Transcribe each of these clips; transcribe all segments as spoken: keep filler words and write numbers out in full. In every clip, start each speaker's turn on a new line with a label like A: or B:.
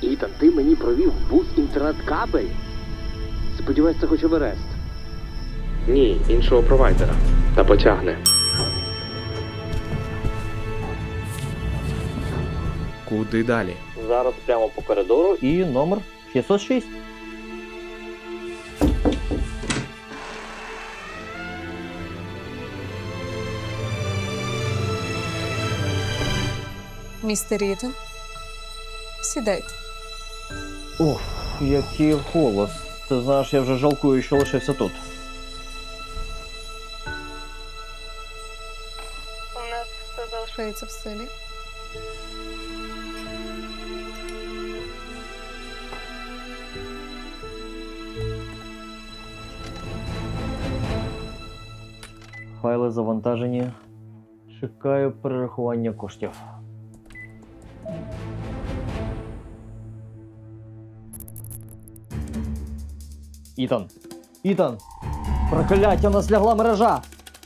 A: Ітан, ти мені провів бус інтернет-кабель? Сподіваюсь, це хоч Еверест.
B: Ні, іншого провайдера. Та потягне. Куди далі?
C: Зараз прямо по коридору і номер шістсот шість.
D: Містер Ітан, сідайте.
C: Ух, який голос. Ти знаєш, я вже жалкую, що лишився тут.
D: У нас все залишається в силі.
C: Файли завантажені. Чекаю перерахування коштів. Ітан! Ітан! Прокляття, у нас лягла мережа!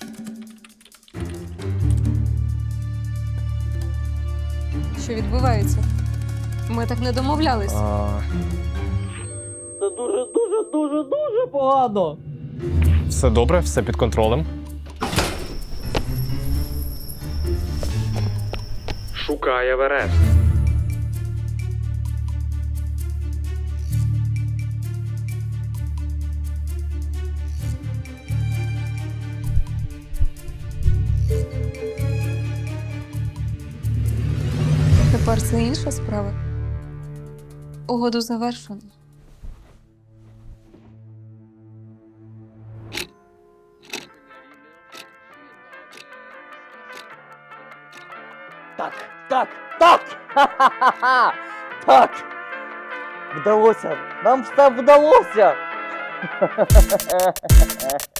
D: Що відбувається? Ми так не домовлялись.
B: А...
C: Це дуже, дуже, дуже, дуже погано!
B: Все добре, все під контролем. Шукай Еверест.
D: Тепер це інша справа. Угоду завершено.
C: Так, так, так! Ха-ха-ха! Так! Вдалося! Нам все вдалося!